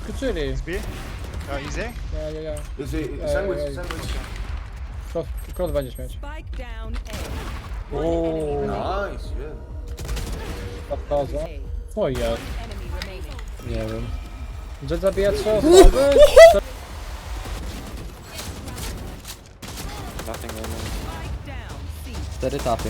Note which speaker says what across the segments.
Speaker 1: Skoczyli.
Speaker 2: B? Easy?
Speaker 1: Ja.
Speaker 3: Is he sandwich?
Speaker 1: Ej.
Speaker 3: Sandwich.
Speaker 1: Cross będziesz mieć.
Speaker 4: Spike down A.
Speaker 1: Uuu,
Speaker 3: Nice, yeah.
Speaker 1: podchodzę. O jest.
Speaker 4: Enemy remaining.
Speaker 5: Nie wiem.
Speaker 1: Jet zabija 3 osoby.
Speaker 5: Nothing
Speaker 4: Spike down C.
Speaker 5: 4 tapy.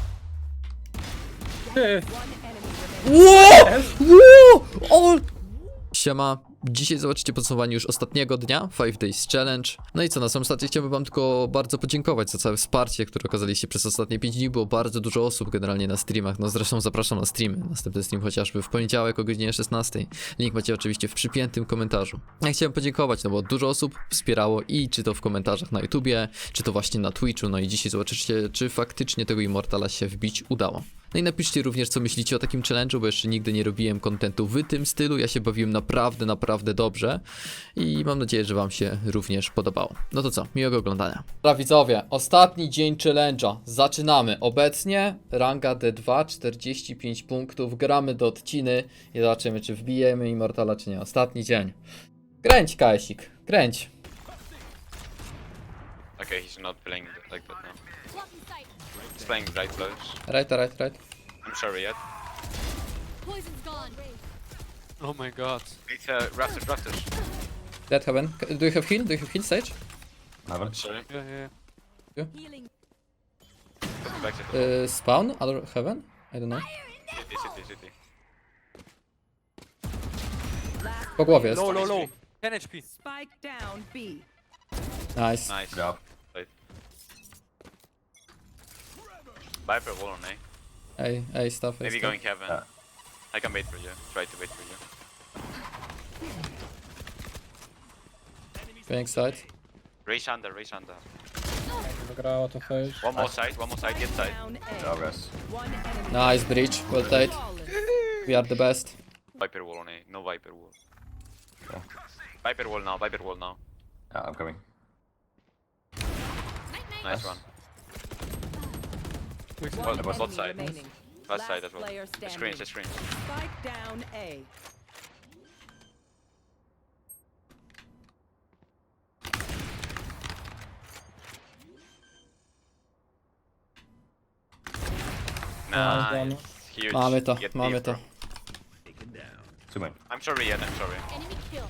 Speaker 1: Ty.
Speaker 4: One enemy remaining.
Speaker 5: Siema. Dzisiaj zobaczycie podsumowanie już ostatniego dnia 5 Days Challenge. No i co, na samym starcie chciałbym wam tylko bardzo podziękować za całe wsparcie, które okazaliście przez ostatnie 5 dni. Było bardzo dużo osób generalnie na streamach, no zresztą zapraszam na streamy. Następny stream chociażby w poniedziałek o godzinie 16. Link macie oczywiście w przypiętym komentarzu. Ja chciałem podziękować, no bo dużo osób wspierało i czy to w komentarzach na YouTubie, czy to właśnie na Twitchu. No i dzisiaj zobaczycie, czy faktycznie tego Immortala się wbić udało. No i napiszcie również, co myślicie o takim challenge'u, bo jeszcze nigdy nie robiłem kontentu w tym stylu. Ja się bawiłem naprawdę dobrze i mam nadzieję, że wam się również podobało. No to co, miłego oglądania. Dobra widzowie, ostatni dzień challenge'a. Zaczynamy. Obecnie ranga D2, 45 punktów. Gramy do odciny i zobaczymy, czy wbijemy Immortala, czy nie. Ostatni dzień. Kręć, Kajsik, kręć.
Speaker 6: Okay, he's not playing like that now. He's playing right close.
Speaker 5: Right.
Speaker 6: I'm sorry yet.
Speaker 7: Poison's gone.
Speaker 8: Oh my god.
Speaker 6: It's rafters.
Speaker 5: Dead heaven. Do you have heal? Do you have heal, Sage?
Speaker 6: Sorry.
Speaker 8: Yeah.
Speaker 7: Healing.
Speaker 6: Back to the
Speaker 5: Spawn? Other heaven? I don't know.
Speaker 6: city.
Speaker 5: Po głowie jest.
Speaker 8: Low. 10 HP.
Speaker 4: Spike down B.
Speaker 5: Nice.
Speaker 6: Nice. Yeah. Viper wall on A.
Speaker 5: Ej, stuff.
Speaker 6: Maybe
Speaker 5: stuff.
Speaker 6: going heaven. I can wait for you. Try to wait for you.
Speaker 5: Going side.
Speaker 6: Race under.
Speaker 1: Wygrało to Sage.
Speaker 6: One more side, get side.
Speaker 4: Down A. One enemy.
Speaker 5: Nice breach. Well played. We are the best.
Speaker 6: Viper wall on A. No Viper wall. Viper wall now.
Speaker 3: Yeah, I'm coming.
Speaker 6: Nice one.
Speaker 4: One
Speaker 6: both
Speaker 4: enemy
Speaker 6: side.
Speaker 4: remaining.
Speaker 6: Last side as well.
Speaker 4: Player
Speaker 6: The
Speaker 4: standing.
Speaker 6: screens.
Speaker 4: Spike down A.
Speaker 6: Nice. Huge.
Speaker 5: Mamy to,
Speaker 6: Get
Speaker 5: mamy
Speaker 6: deep,
Speaker 5: to.
Speaker 6: bro.
Speaker 3: Two main.
Speaker 6: I'm sorry yet, I'm sorry.
Speaker 7: Enemy kill.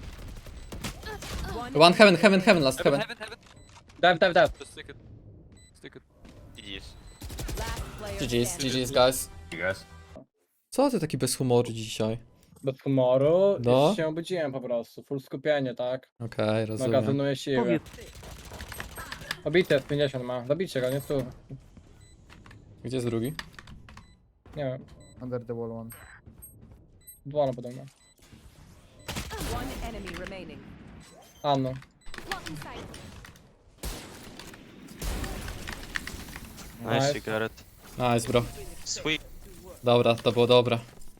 Speaker 5: One heaven, last heaven.
Speaker 1: Dive.
Speaker 8: Just stick it.
Speaker 6: GG's.
Speaker 4: Last player
Speaker 5: GG's,
Speaker 4: standing.
Speaker 5: GG's guys.
Speaker 3: You guys?
Speaker 5: Co ty taki bez humoru dzisiaj?
Speaker 1: Bez humoru.
Speaker 5: No.
Speaker 1: No. Się obudziłem po prostu. Full skupienie, tak?
Speaker 5: Okej, rozumiem.
Speaker 1: Magazynuje siły. Obity jest 50 ma. Zabijcie go, nie tu.
Speaker 5: Gdzie jest drugi?
Speaker 1: Nie wiem.
Speaker 9: Under the wall one.
Speaker 1: Dwa podobno.
Speaker 4: One enemy remaining.
Speaker 1: Anno.
Speaker 7: Blocking sight.
Speaker 1: Nice,
Speaker 8: you got it.
Speaker 5: Nice bro.
Speaker 8: Sweet.
Speaker 5: Dobra, to było dobre.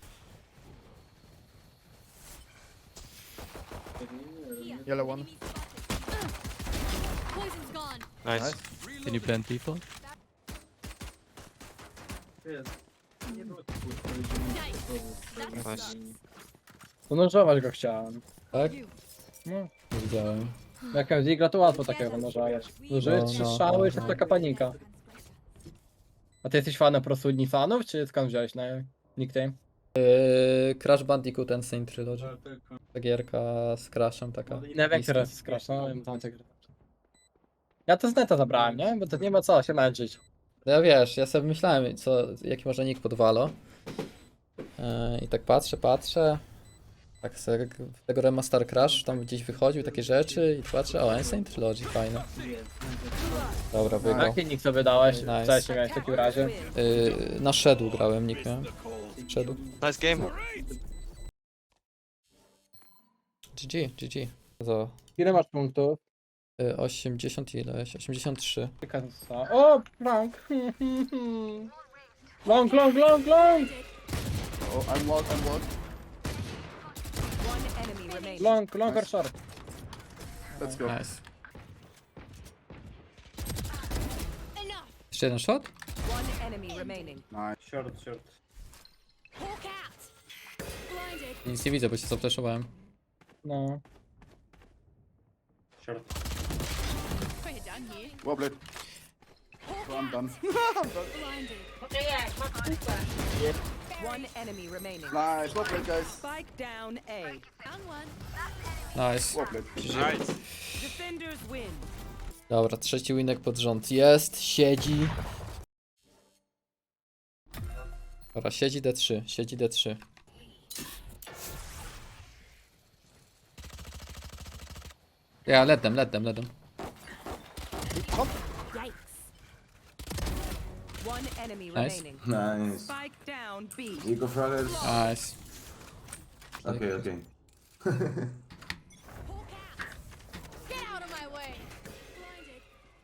Speaker 9: Yellow one.
Speaker 7: Poison's gone.
Speaker 8: Nice. Can you plant people?
Speaker 7: Nice.
Speaker 8: Nice.
Speaker 1: Zanurzować go chciałem.
Speaker 5: Tak?
Speaker 1: No.
Speaker 5: Nie widziałem.
Speaker 1: Jak Zigla to łatwo takiego zanurzować. Zużyłeś 3 strzały i to taka panika. A ty jesteś fanem po prostu fanów, czy skąd wziąłeś na nickname?
Speaker 5: Crash Bandicoot and Saint Trilogy. Ta gierka z Crashem taka.
Speaker 1: Nie wiem,
Speaker 5: bliska.
Speaker 1: która jest Crash, no wiem, tam te gry. Ja to z neta zabrałem, nie? Bo to nie ma co się męczyć.
Speaker 5: No ja wiesz, ja sobie myślałem, jaki może nick podwalo. I tak patrzę. Tak sobie tego Remaster Crash tam gdzieś wychodził, takie rzeczy i patrzę, o, Saint Trilogy, fajne. Dobra,
Speaker 1: A
Speaker 5: wygrał.
Speaker 1: jaki nick sobie dałeś?
Speaker 5: Nice.
Speaker 1: Wcześniej miałeś w takim razie.
Speaker 5: Na Shadow grałem, nick miałem. Shadow.
Speaker 8: Nice game.
Speaker 5: GG. Za
Speaker 1: Ile masz punktów?
Speaker 5: 80 ileś, 83.
Speaker 1: O, Frank! Long!
Speaker 9: Oh, I'm walled.
Speaker 4: One enemy remaining.
Speaker 1: Long or short?
Speaker 9: Let's go.
Speaker 5: Nice.
Speaker 7: Enough.
Speaker 5: Jeszcze jeden shot?
Speaker 4: One enemy remaining.
Speaker 9: Short.
Speaker 7: Hawk out. Blinded.
Speaker 5: Nic nie widzę, bo się zapleszowałem.
Speaker 1: No.
Speaker 9: Short.
Speaker 7: Put it down here.
Speaker 9: Wobbly. So I'm done.
Speaker 7: Blinded.
Speaker 4: One enemy remaining.
Speaker 9: Nice. Wobbly, guys.
Speaker 4: Spike down A.
Speaker 7: Found one.
Speaker 5: Nice.
Speaker 9: Wobbly.
Speaker 4: Defenders win.
Speaker 5: Dobra, trzeci winek pod rząd jest, siedzi. Dobra, siedzi D3, siedzi D3. Ja, let them.
Speaker 4: Yikes. One enemy
Speaker 5: Nice.
Speaker 4: remaining.
Speaker 3: Nice.
Speaker 4: Spike down B.
Speaker 3: Eco Fraggers.
Speaker 5: Nice.
Speaker 3: Okay, okay.
Speaker 7: Hawk out. Get out of my way. Blinded.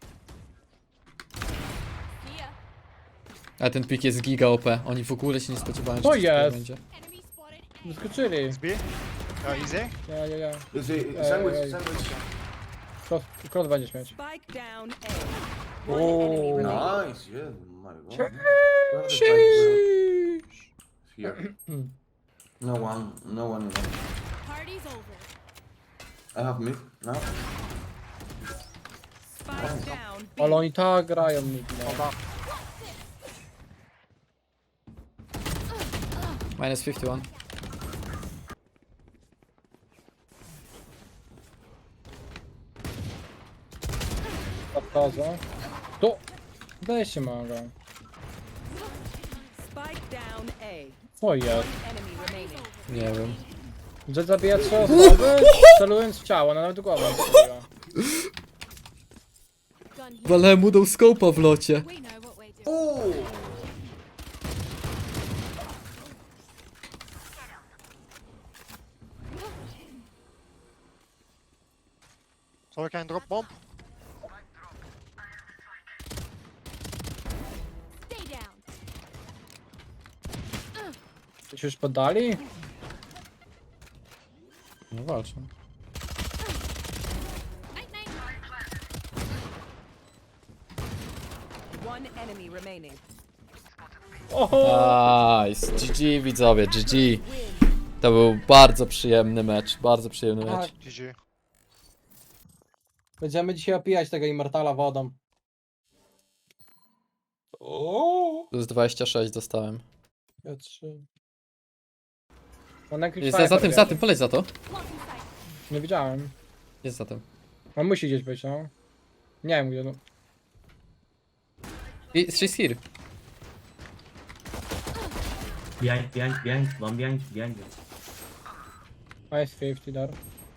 Speaker 7: See ya.
Speaker 5: A ten pik jest giga OP, oni w ogóle się nie spodziewałem,
Speaker 1: To
Speaker 5: że coś takiego
Speaker 1: jest.
Speaker 5: będzie.
Speaker 7: Enemy spotted.
Speaker 1: Wyskoczyli.
Speaker 9: B? Easy?
Speaker 1: Ja.
Speaker 3: Is it
Speaker 1: Ej,
Speaker 3: sandwich?
Speaker 1: ej.
Speaker 3: Sandwich.
Speaker 1: Cross będziesz mieć.
Speaker 4: Spike down A. One enemy remaining.
Speaker 3: Nice. Yeah. My God. Here. No one. No one.
Speaker 7: Party's over.
Speaker 3: I have mid now.
Speaker 4: Spike down B.
Speaker 1: Ale oni tak grają mi. No.
Speaker 5: Minus 51.
Speaker 1: Odchodzą. Tu! Weźcie mogę.
Speaker 4: Spike down A.
Speaker 1: O jest.
Speaker 4: Enemy remaining.
Speaker 5: Nie wiem.
Speaker 1: Że zabija 3 osoby, celując w ciało, no nawet głową strzeliła.
Speaker 7: Gun here.
Speaker 5: Ale mu dał scope'a w locie.
Speaker 7: We know what we're doing.
Speaker 9: So I can drop bomb?
Speaker 7: Stay down.
Speaker 1: Ci już poddali?
Speaker 5: No walczą.
Speaker 7: Night night.
Speaker 4: One enemy remaining.
Speaker 1: Oho!
Speaker 5: Nice. GG widzowie, GG. To był bardzo przyjemny mecz, bardzo przyjemny
Speaker 1: Tak.
Speaker 5: mecz.
Speaker 9: GG.
Speaker 1: Będziemy dzisiaj opijać tego Immortala wodą.
Speaker 5: Plus 26 dostałem.
Speaker 1: Ja 3. On na
Speaker 5: Jest za tym, poleć za to.
Speaker 7: Blocking sight.
Speaker 1: Nie widziałem.
Speaker 5: Jest za tym.
Speaker 1: On musi gdzieś być, no. Nie wiem gdzie, no.
Speaker 5: She's here.
Speaker 2: Behind, one behind.
Speaker 1: Nice 50 dar.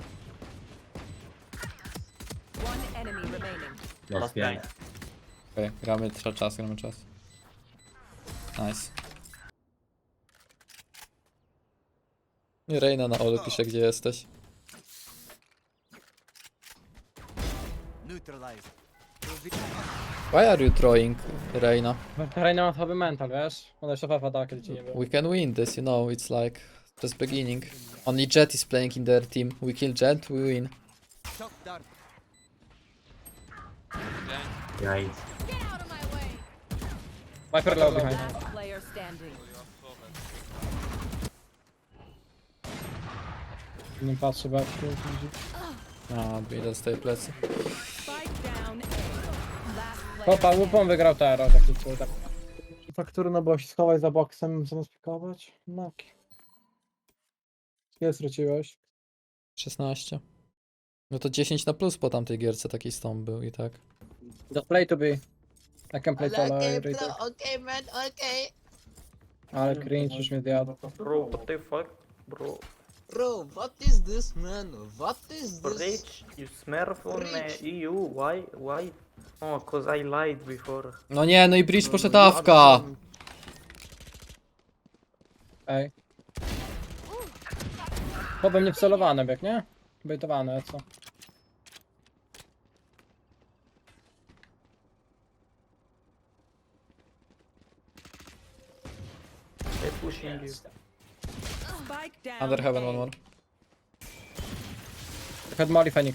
Speaker 4: One enemy remaining.
Speaker 2: Last behind.
Speaker 5: Okej, gramy czas. Nice. I Reina na Olu pisze, gdzie jesteś. Why are you throwing, Reina?
Speaker 1: Reina ma słaby mental, wiesz? Ona jeszcze fafa da, kiedy ci nie było.
Speaker 5: We can win this, you know, it's like just beginning. Only Jet is playing in their team. We kill Jet, we win.
Speaker 2: Behind.
Speaker 7: Get out of my way.
Speaker 1: Viper low behind.
Speaker 4: Last player standing.
Speaker 1: Nie patrzy bardziej.
Speaker 5: A, idę z tej plecy.
Speaker 4: Spike down A. Last player
Speaker 1: Popa, łupą wygrał teraz, taki cud. Faktury na boś schowaj za boksem, zamiast pikować. Maki. Ile straciłeś?
Speaker 5: 16. No to 10 na plus po tamtej gierce taki stąd był i tak.
Speaker 1: Just play to be. I can play solo.
Speaker 10: Okay, man, okay.
Speaker 1: Ale cringe już mnie zjadł.
Speaker 2: Bro, what the fuck?
Speaker 10: Bro, what is this, man? What is this?
Speaker 2: Rich, you smurf on
Speaker 10: Rich.
Speaker 2: EU, why? Oh, cause I lied before.
Speaker 5: No nie, no i Breach poszedł awka!
Speaker 1: Ej. Chłopem nie wcelowane, jak nie? Bejtowane, co?
Speaker 2: They're pushing you.
Speaker 4: Spike down
Speaker 5: Under heaven,
Speaker 4: A.
Speaker 5: one more.
Speaker 1: Had Molly Phoenix.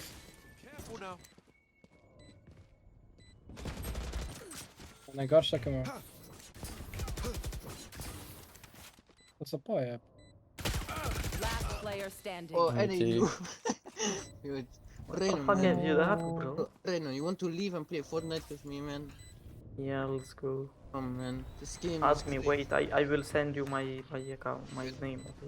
Speaker 1: Najgorsze jakie mam. To co pojeb.
Speaker 4: Last player player standing.
Speaker 10: Oh, and
Speaker 5: Okay.
Speaker 10: you. Dude,
Speaker 2: What
Speaker 10: Reno,
Speaker 2: the fuck
Speaker 10: man.
Speaker 2: have you done, bro?
Speaker 10: Oh, Reno, you want to leave and play Fortnite with me, man?
Speaker 2: Yeah, let's go.
Speaker 10: Come, man. This game
Speaker 2: Ask
Speaker 10: is
Speaker 2: me,
Speaker 10: crazy.
Speaker 2: wait, I will send you my account, my name. Okay.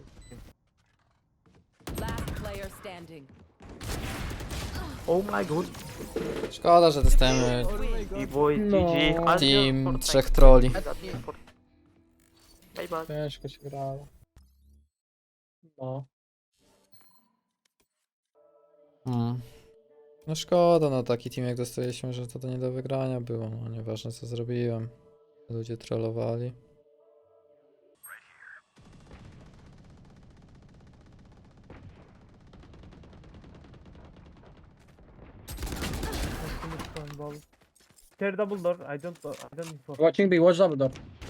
Speaker 4: Last player standing.
Speaker 2: Oh my god.
Speaker 5: Szkoda, że dostajemy
Speaker 2: B-boy,
Speaker 1: No.
Speaker 2: GG. Adios,
Speaker 5: team
Speaker 2: Fortnite.
Speaker 5: 3 troli.
Speaker 2: Adios, Fortnite. Bye bye.
Speaker 1: Ciężko się grało. No.
Speaker 5: No szkoda, no taki team jak dostaliśmy, że to nie do wygrania było. No nieważne co zrobiłem. Ludzie trollowali.
Speaker 2: Third double door, I don't
Speaker 1: Watching B, watch double door.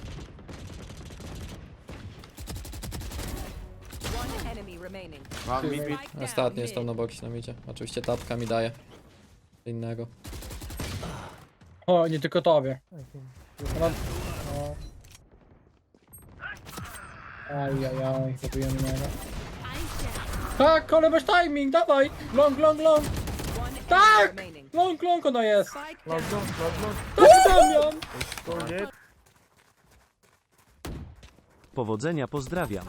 Speaker 4: One enemy remaining.
Speaker 3: One mid.
Speaker 4: Spike down
Speaker 5: Ostatni jest tam
Speaker 4: mid.
Speaker 5: na boksie nam idzie. Oczywiście tapka mi daje. Innego.
Speaker 1: O, nie tylko tobie. No. Ajajaj, zabijemy niego.
Speaker 7: Eyes down.
Speaker 1: Tak, ale masz timing, dawaj! Long, long, long!
Speaker 4: One enemy
Speaker 1: Tak!
Speaker 4: remaining.
Speaker 1: Long, long ona jest!
Speaker 4: Spike down.
Speaker 1: Tak, Damian!
Speaker 11: Powodzenia, pozdrawiam.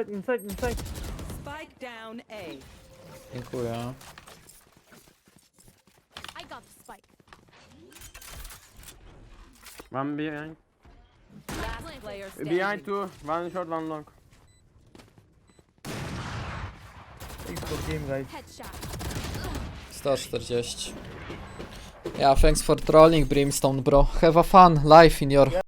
Speaker 4: Spike down A.
Speaker 5: Dziękuję.
Speaker 7: I got the spike.
Speaker 2: One behind.
Speaker 4: Last player standing.
Speaker 2: two, one short, one long.
Speaker 7: Headshot.
Speaker 5: 140. Yeah, thanks for trolling, Brimstone, bro. Have a fun life in your...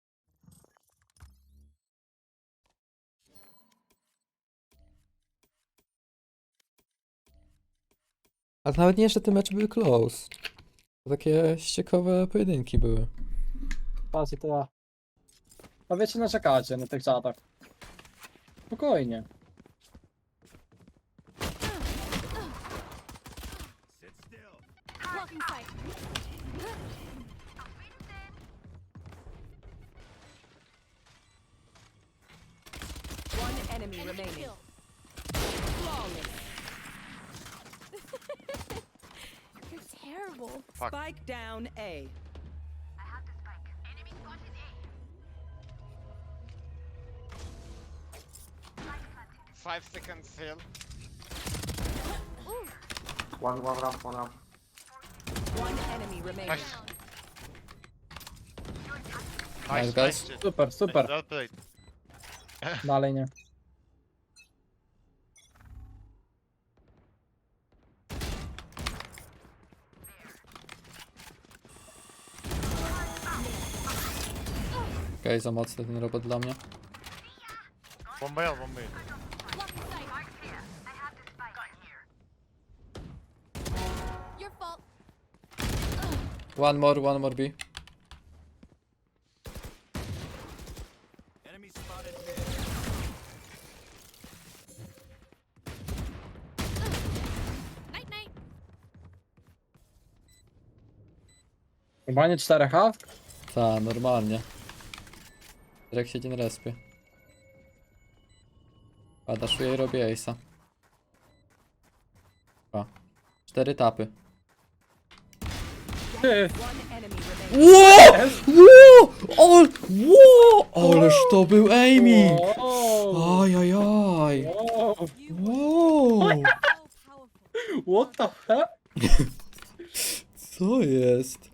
Speaker 5: Ale nawet nie, że te mecze były close. To takie ciekawe pojedynki były.
Speaker 1: Patrz, i to ja. A wiecie, narzekacie na tych czatach. Spokojnie.
Speaker 7: Blocking sight.
Speaker 4: One enemy remaining.
Speaker 7: Kill.
Speaker 4: Flawless.
Speaker 7: You're terrible.
Speaker 4: Spike down A.
Speaker 2: One ramp, one ramp.
Speaker 4: One enemy remaining.
Speaker 5: Nice, guys.
Speaker 1: Super, super. Dalej nie.
Speaker 5: Okej, za mocny ten robot dla mnie.
Speaker 7: Blocking sight. Your fault.
Speaker 5: One more B.
Speaker 7: Night, night.
Speaker 1: Chyba nie 4H?
Speaker 5: Ta, normalnie. Jak siedzi na respie. Daszuję i robię ace'a. 4 tapy.
Speaker 1: Ty,
Speaker 4: One enemy remaining.
Speaker 5: Ależ to był aiming!
Speaker 1: wow.
Speaker 5: Ajajaj!
Speaker 1: Wow.
Speaker 5: Wow!
Speaker 7: So powerful.
Speaker 1: What the fuck?
Speaker 5: Co jest?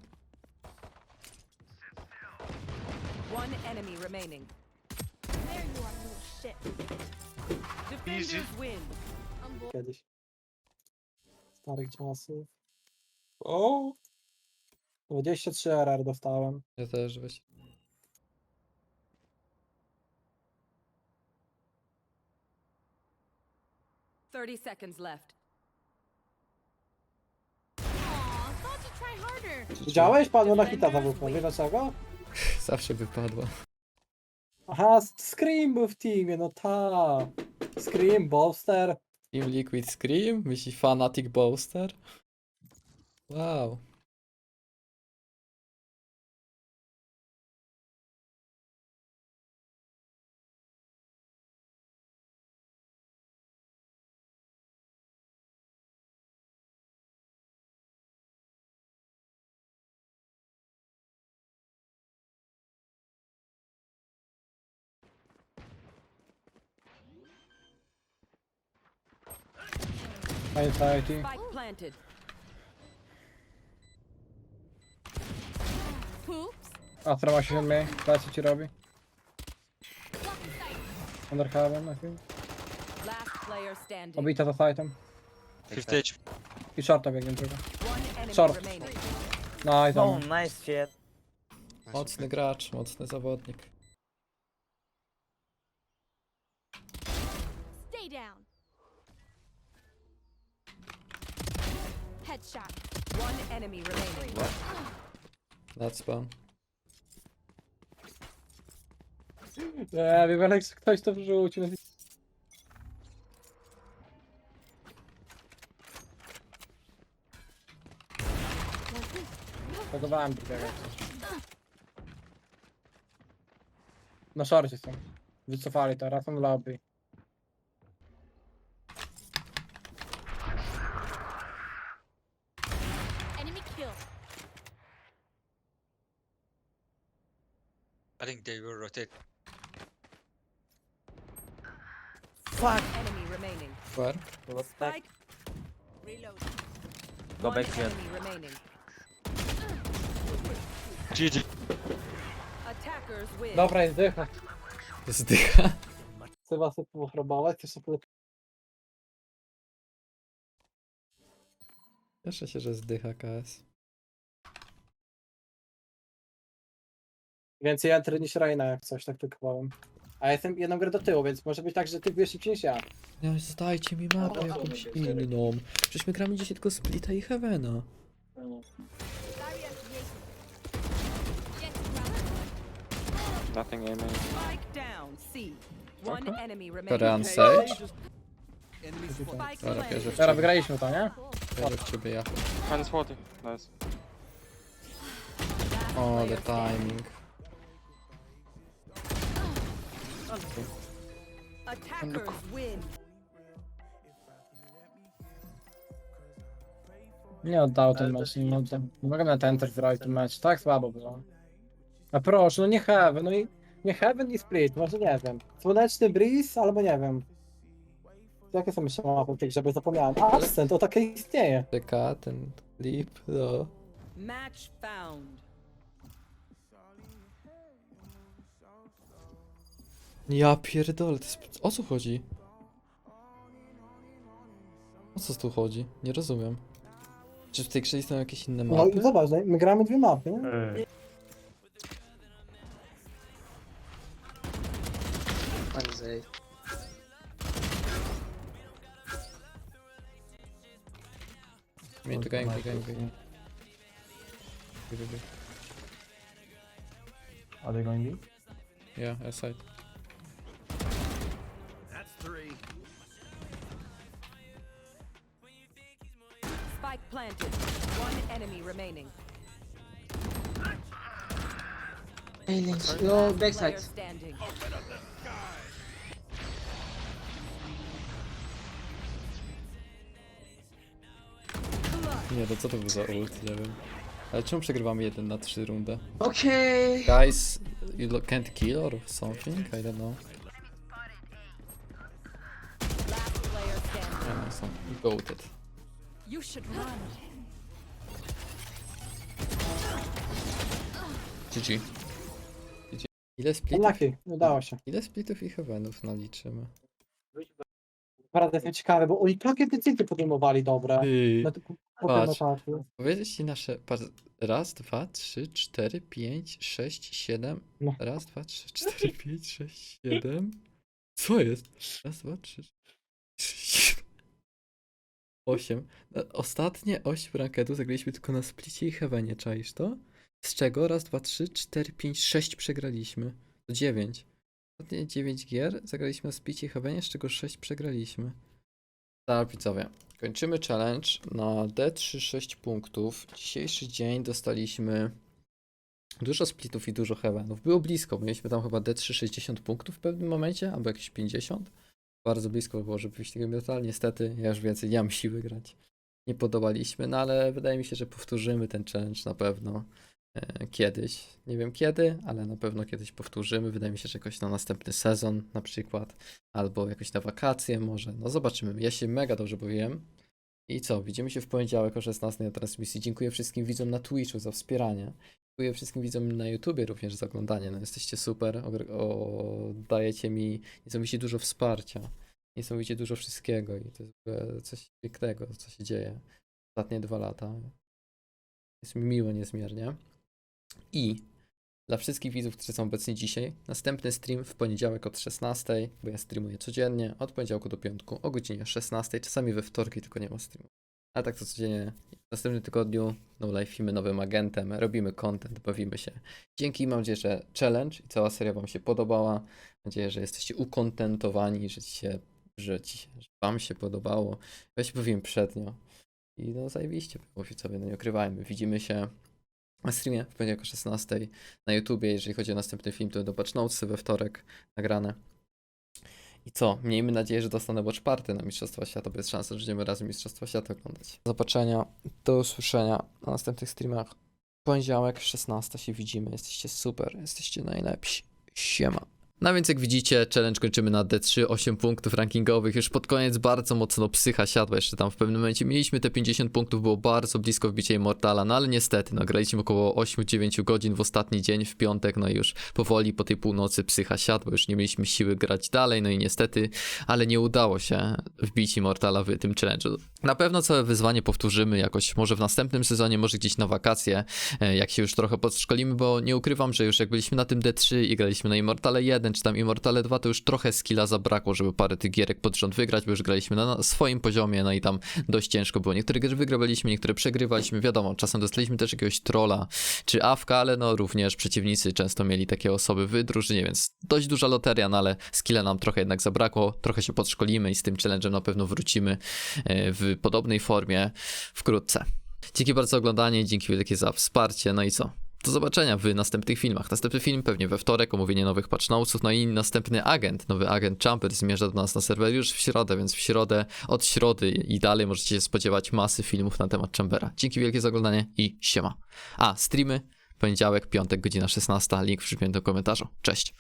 Speaker 4: One enemy remaining.
Speaker 7: There you are, little shit.
Speaker 4: Defenders win.
Speaker 1: Kiedyś. Starych czasów. O! 23 RR dostałem.
Speaker 5: Ja też weź.
Speaker 4: Thirty seconds left.
Speaker 7: Aw, thought you'd try harder.
Speaker 1: Widziałeś? Padło na hita za WP. Wiesz dlaczego?
Speaker 5: Zawsze wypadło.
Speaker 1: Aha, Scream był w teamie, no ta. Scream, Bolster.
Speaker 5: Team Liquid Scream? Myśli Fanatic Booster? Wow.
Speaker 1: Anxiety.
Speaker 4: Spike planted.
Speaker 7: Poops.
Speaker 1: Astra ma 60 mniej. Plecy ci robi. Under heaven, I think.
Speaker 4: Last player standing.
Speaker 1: Obita za sightem.
Speaker 8: 50 HP.
Speaker 1: I shorta biegnie druga.
Speaker 4: One enemy
Speaker 1: Short.
Speaker 4: remaining.
Speaker 1: No i tam.
Speaker 2: nice shit.
Speaker 5: Mocny gracz, mocny zawodnik.
Speaker 7: Stay down. Headshot.
Speaker 4: One enemy remaining.
Speaker 5: That's spawn.
Speaker 1: Nie wiem, jak ktoś to wrzucił. Podobałem drugiego. Na szorcie są. Wycofali to, razem lobby.
Speaker 7: Enemy kill.
Speaker 10: I think they will rotate.
Speaker 4: Fuck. Enemy remaining.
Speaker 5: Where?
Speaker 4: Spike. Reload.
Speaker 2: Go
Speaker 4: One
Speaker 2: back here.
Speaker 4: enemy remaining.
Speaker 8: GG.
Speaker 4: Attackers win.
Speaker 1: Dobra, jest dycha.
Speaker 5: Zdycha.
Speaker 1: Chcę was pochrobować, chcesz sobie...
Speaker 5: Cieszę się, że zdycha KS.
Speaker 1: Więcej entry niż Reina, jak coś, tak tykowałem. A ja jestem jedną grę do tyłu, więc może być tak, że ty wiesz szybciej niż ja.
Speaker 5: Nie, zdajcie mi mapę jakąś inną. Przecież my gramy dzisiaj tylko Splita i Heavena.
Speaker 7: Barrier created. Jet ground.
Speaker 8: Nothing aiming.
Speaker 4: Spike down. C. One enemy
Speaker 5: Korean
Speaker 4: remaining.
Speaker 5: Sage.
Speaker 4: Spike
Speaker 5: Dobra,
Speaker 4: planted.
Speaker 5: wierzę w
Speaker 1: Teraz
Speaker 5: ciebie.
Speaker 1: wygraliśmy to, nie?
Speaker 5: Wierzę w ciebie, ja.
Speaker 8: Minus 40. Nice.
Speaker 4: Last
Speaker 5: O, the
Speaker 4: player standing.
Speaker 5: timing.
Speaker 4: Attackers win.
Speaker 1: Nie oddał ten mecz, nie oddał. Nie mogę na ten enter zrobić ten mecz, tak słabo było. A proszę, no nie Heaven, no i... Nie Heaven i Split, może nie wiem. Słoneczny Breeze, albo nie wiem. Jakie są jeszcze mapy w tej grze, bo zapomniałem. Absent, to takie istnieje.
Speaker 5: Czeka ten klip, no.
Speaker 4: Match found.
Speaker 5: Ja pierdolę, to jest... O co chodzi? O co tu chodzi? Nie rozumiem. Czy w tej grze są jakieś inne
Speaker 1: No
Speaker 5: mapy?
Speaker 1: i zobacz, no, my gramy dwie mapy, nie?
Speaker 5: Mnie to game.
Speaker 1: Are they going B?
Speaker 5: Yeah, aside.
Speaker 4: Spike planted. One enemy remaining.
Speaker 10: Yo,
Speaker 4: Last player standing.
Speaker 5: Nie, to co to był za ult? Nie wiem. Ale czemu przegrywamy 1 na 3 rundę?
Speaker 10: Okay.
Speaker 5: Guys, you can't kill or something? I don't know.
Speaker 4: Last player standing.
Speaker 5: I don't know, some goated.
Speaker 4: You should run.
Speaker 5: GG. Ile splitów?
Speaker 1: Unlucky, udało się.
Speaker 5: Ile splitów i heavenów naliczymy?
Speaker 1: Naprawdę jestem ciekawy, bo oni takie decyzje podejmowali dobre. Na tym
Speaker 5: Patrz.
Speaker 1: etapie.
Speaker 5: Powiedzieć ci nasze... Raz, dwa, trzy, cztery, pięć, sześć, siedem.
Speaker 1: No.
Speaker 5: Raz, dwa, trzy, cztery, pięć, sześć, siedem. Co jest? Raz, dwa, trzy, siedem. 8. Ostatnie 8 rankedy zagraliśmy tylko na splicie i heavenie, czaisz to? Z czego? Raz, dwa, trzy, cztery, pięć, 6 przegraliśmy. To 9. Ostatnie 9 gier zagraliśmy na splicie i heavenie, z czego 6 przegraliśmy. Tak, widzowie. Kończymy challenge na D3 6 punktów. Dzisiejszy dzień dostaliśmy dużo splitów i dużo heavenów. Było blisko, mieliśmy tam chyba D3 60 punktów w pewnym momencie, albo jakieś 50. Bardzo blisko było, żeby wyjść tego metal. Niestety, ja już więcej nie mam siły grać. Nie podobaliśmy, no ale wydaje mi się, że powtórzymy ten challenge na pewno kiedyś. Nie wiem kiedy, ale na pewno kiedyś powtórzymy. Wydaje mi się, że jakoś na następny sezon na przykład, albo jakoś na wakacje może. No zobaczymy. Ja się mega dobrze bawiłem. I co, widzimy się w poniedziałek o 16 na transmisji. Dziękuję wszystkim widzom na Twitchu za wspieranie. Dziękuję wszystkim widzom na YouTubie również za oglądanie. No jesteście super, dajecie mi niesamowicie dużo wsparcia, niesamowicie dużo wszystkiego i to jest w ogóle coś pięknego, co się dzieje ostatnie 2 lata. Jest mi miło niezmiernie. I dla wszystkich widzów, którzy są obecni dzisiaj, następny stream w poniedziałek od 16, bo ja streamuję codziennie, od poniedziałku do piątku o godzinie 16, czasami we wtorki tylko nie ma streamu. A tak to codziennie, w następnym tygodniu no live'imy nowym agentem, robimy content, bawimy się. Dzięki, mam nadzieję, że challenge i cała seria wam się podobała. Mam nadzieję, że jesteście ukontentowani, że wam się podobało. Ja się bawiłem przednio. I no zajebiście było sobie, no nie ukrywajmy. Widzimy się na streamie w poniedziałek o 16 na YouTubie. Jeżeli chodzi o następny film, to do patch notesy we wtorek nagrane. I co? Miejmy nadzieję, że dostanę watch party na Mistrzostwa Świata, bo jest szansa, że będziemy razem Mistrzostwa Świata oglądać. Do zobaczenia, do usłyszenia na następnych streamach. Poniedziałek 16 się widzimy. Jesteście super, jesteście najlepsi. Siema. No więc jak widzicie, challenge kończymy na D3, 8 punktów rankingowych, już pod koniec bardzo mocno psycha siadła, jeszcze tam w pewnym momencie mieliśmy te 50 punktów, było bardzo blisko wbicia Immortala, no ale niestety, no graliśmy około 8-9 godzin w ostatni dzień, w piątek, no i już powoli po tej północy psycha siadła, już nie mieliśmy siły grać dalej, no i niestety, ale nie udało się wbić Immortala w tym challenge'u. Na pewno całe wyzwanie powtórzymy jakoś, może w następnym sezonie, może gdzieś na wakacje, jak się już trochę podszkolimy, bo nie ukrywam, że już jak byliśmy na tym D3 i graliśmy na Immortale 1, czy tam Immortale 2, to już trochę skilla zabrakło, żeby parę tych gierek pod rząd wygrać, bo już graliśmy na swoim poziomie, no i tam dość ciężko było. Niektóre gry wygrywaliśmy, niektóre przegrywaliśmy, wiadomo, czasem dostaliśmy też jakiegoś trolla czy awka, ale no również przeciwnicy często mieli takie osoby w drużynie, więc dość duża loteria, no ale skilla nam trochę jednak zabrakło, trochę się podszkolimy i z tym challenge'em na pewno wrócimy w podobnej formie wkrótce. Dzięki bardzo za oglądanie, dzięki wielkie za wsparcie, no i co? Do zobaczenia w następnych filmach. Następny film pewnie we wtorek, omówienie nowych patch notesów, no i następny agent, nowy agent Jumper zmierza do nas na serwer już w środę, więc w środę, od środy i dalej możecie się spodziewać masy filmów na temat Chambera. Dzięki wielkie za oglądanie i siema. A, streamy, poniedziałek, piątek, godzina 16, link w przypiętym komentarzu. Cześć.